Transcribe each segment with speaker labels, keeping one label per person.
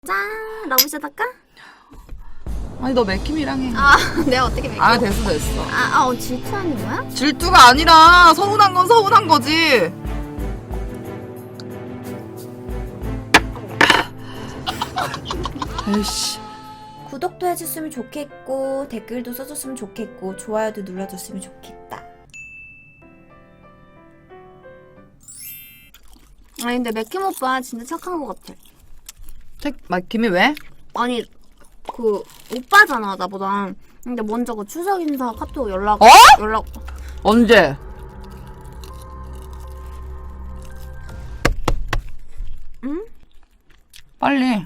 Speaker 1: 짠! 러브샷 할까?
Speaker 2: 아니 너 맥힘이랑 해.
Speaker 1: 아, 내가 어떻게 맥힘?
Speaker 2: 아 됐어.
Speaker 1: 질투하는 거야?
Speaker 2: 질투가 아니라 서운한 건 서운한 거지. 에이씨.
Speaker 3: 구독도 해줬으면 좋겠고 댓글도 써줬으면 좋겠고 좋아요도 눌러줬으면 좋겠다.
Speaker 1: 아니 근데 맥힘 오빠 진짜 착한 거 같아.
Speaker 2: 맥힘이 왜?
Speaker 1: 아니 그 오빠잖아 나보다. 근데 먼저 그 추석 인사 카톡 연락.
Speaker 2: 언제?
Speaker 1: 응?
Speaker 2: 빨리.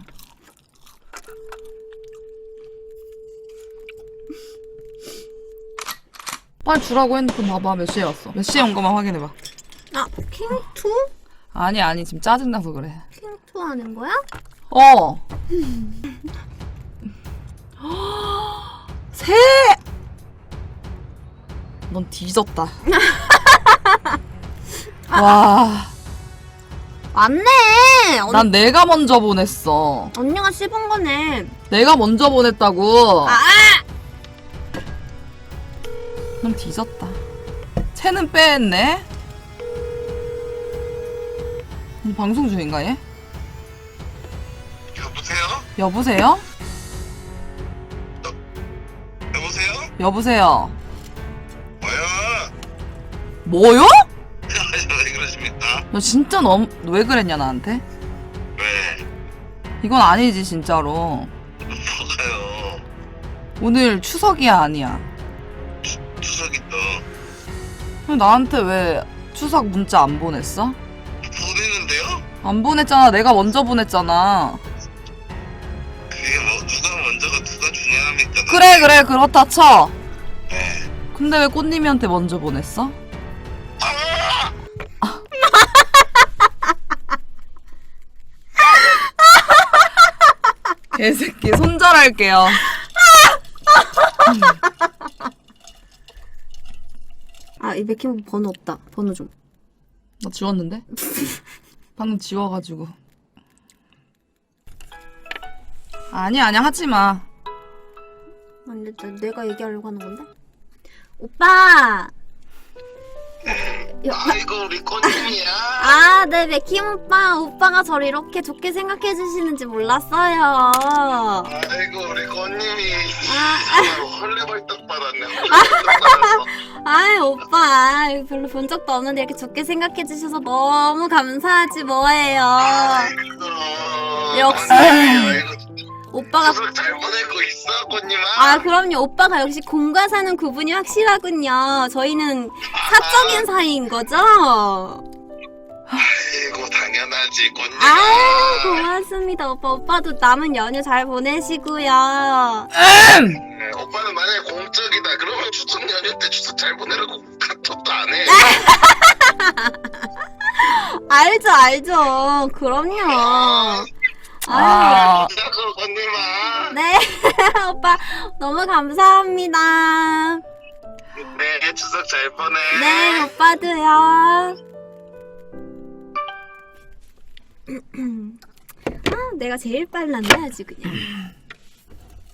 Speaker 2: 빨리 주라고. 핸드폰 봐봐. 몇 시에 왔어? 몇 시에 온 거만 확인해봐.
Speaker 1: 아 킹투?
Speaker 2: 아니 지금 짜증나서 그래.
Speaker 1: 킹투 하는 거야?
Speaker 2: 어. 새. 넌 뒤졌다. 와.
Speaker 1: 맞네.
Speaker 2: 난 내가 먼저 보냈어.
Speaker 1: 언니가 씹은 거네.
Speaker 2: 내가 먼저 보냈다고.
Speaker 1: 아!
Speaker 2: 넌 뒤졌다. 채는 빼했네. 방송 중인가 얘?
Speaker 4: 여보세요?
Speaker 2: 여보세요?
Speaker 4: 여보세요?
Speaker 2: 여보세요?
Speaker 4: 뭐야?
Speaker 2: 뭐요?
Speaker 4: 왜 그러십니까?
Speaker 2: 너 진짜 왜 그랬냐 나한테?
Speaker 4: 왜?
Speaker 2: 이건 아니지 진짜로.
Speaker 4: 뭐가요?
Speaker 2: 오늘 추석이야 아니야?
Speaker 4: 추석이 또
Speaker 2: 그럼 나한테 왜 추석 문자 안 보냈어?
Speaker 4: 보내는데요?
Speaker 2: 안 보냈잖아. 내가 먼저 보냈잖아.
Speaker 4: 그게 뭐 누가 먼저가 누가 중요합니까?
Speaker 2: 그래 그렇다 쳐.
Speaker 4: 네.
Speaker 2: 근데 왜 꽃님이한테 먼저 보냈어? 개새끼 손절할게요.
Speaker 1: 아, 이 맥힘 오빠 번호 없다. 번호 좀.
Speaker 2: 나 지웠는데? 방금 지워가지고. 아니야 하지마.
Speaker 1: 아니, 내가 얘기하려고 하는 건데? 오빠!
Speaker 4: 아이고 우리 꽃님이야.
Speaker 1: 아, 네, 맥힘 오빠. 오빠가 저를 이렇게 좋게 생각해 주시는지 몰랐어요.
Speaker 4: 아이고 우리 꽃님이
Speaker 1: 아.
Speaker 4: 헐레벌떡 받았네. 헐레벌떡 받았어.
Speaker 1: 아이, 오빠. 별로 본 적도 없는데 이렇게 좋게 생각해 주셔서 너무 감사하지 뭐예요.
Speaker 4: 아이고.
Speaker 1: 역시.
Speaker 4: 아이고.
Speaker 1: 오빠가.
Speaker 4: 추석 잘 보내고 있어 꽃님아.
Speaker 1: 아, 그럼요. 오빠가 역시 공과 사는 구분이 확실하군요. 저희는 사적인 사이인 거죠?
Speaker 4: 아이고 당연하지 꽃님아.
Speaker 1: 아, 고맙습니다. 오빠도 남은 연휴 잘 보내시고요.
Speaker 4: 네, 오빠는 만약에 공적이다 그러면 추석 연휴 때 추석 잘 보내라고 카톡도 안 해.
Speaker 1: 알죠. 그럼요. 아유.
Speaker 4: 진짜로 언니마.
Speaker 1: 네, 오빠 너무 감사합니다.
Speaker 4: 네 추석 잘 보내.
Speaker 1: 네, 오빠도요. 아, 내가 제일 빨랐네 아주 그냥.